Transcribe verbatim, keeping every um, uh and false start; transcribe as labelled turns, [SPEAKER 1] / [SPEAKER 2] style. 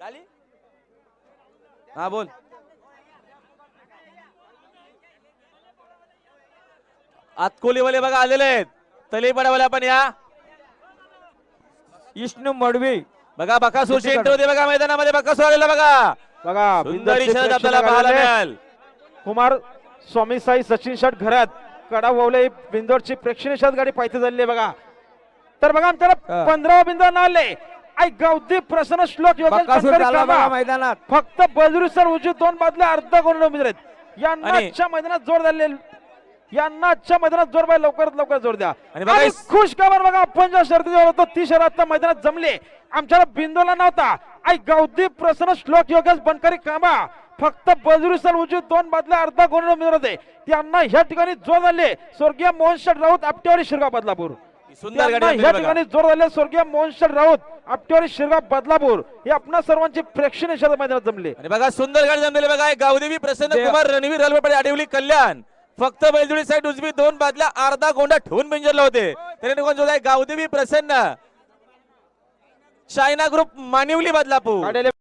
[SPEAKER 1] हा बोल. आतकोलीवाले बघा आलेले आहेत. तलेपडावाले आपण या.
[SPEAKER 2] विष्णू मडवी
[SPEAKER 1] बघा बकासूर शेंट होते बघा मैदानामध्ये. बकासूर आलेला बघा.
[SPEAKER 2] बघा
[SPEAKER 1] सुंदर शर्यत आपल्याला पाहायला मिळाल.
[SPEAKER 2] कुमार स्वामी साई सचिन शट घरात कडा ववले बिंदोरची प्रेक्षणीय शर्यत गाडी पाहिजे झाली आहे बघा. तर बघा आमच्याला पंधरा बिंदू नाले आई गवदी प्रसन्न श्लोक
[SPEAKER 3] मैदानात
[SPEAKER 2] फक्त बजरू सर उजवी दोन बाजूला अर्धा कोण उमेदवार आहेत. यांना आजच्या मैदानात जोर झाले. यांना आजच्या मैदानात जोर बाय लवकरात लवकर जोर द्या. आणि खुश खबर बघा आपण ज्या शर्यतीवर होतो ती शर्यत मैदानात जमले. आमच्याला बिंदूला नव्हता. आई गवदी प्रसन्न श्लोक योगेश बनकरी कामा फक्त बजरू सर उजवी दोन बाजूला अर्धा कोण उमेदवार होते. त्यांना ह्या ठिकाणी जोर झाले. स्वर्गीय मोहन शेठ राऊत आपटेवाडी शिरगाव बदलापूर.
[SPEAKER 1] सुंदर गाडी
[SPEAKER 2] या ठिकाणी जोर झाले. स्वर्गीय मोहन शेठ राऊत आपटेवाडी शिरगाव बदलापूर हे आपणा सर्वांची प्रेक्षणीय शर्यत मैदानात जमले.
[SPEAKER 1] आणि बघा सुंदर गाडी जमलेली बघा. गावदेवी प्रसन्न कुमार रणवीर रलवडे आडिवली कल्याण फक्त बैलजोडी साईड उजवी दोन बाजूला अर्धा गोंडा ठेवून बिंजरला होते. त्याने कोण जो गावदेवी प्रसन्न चायना ग्रुप मानिवली बदलापूर.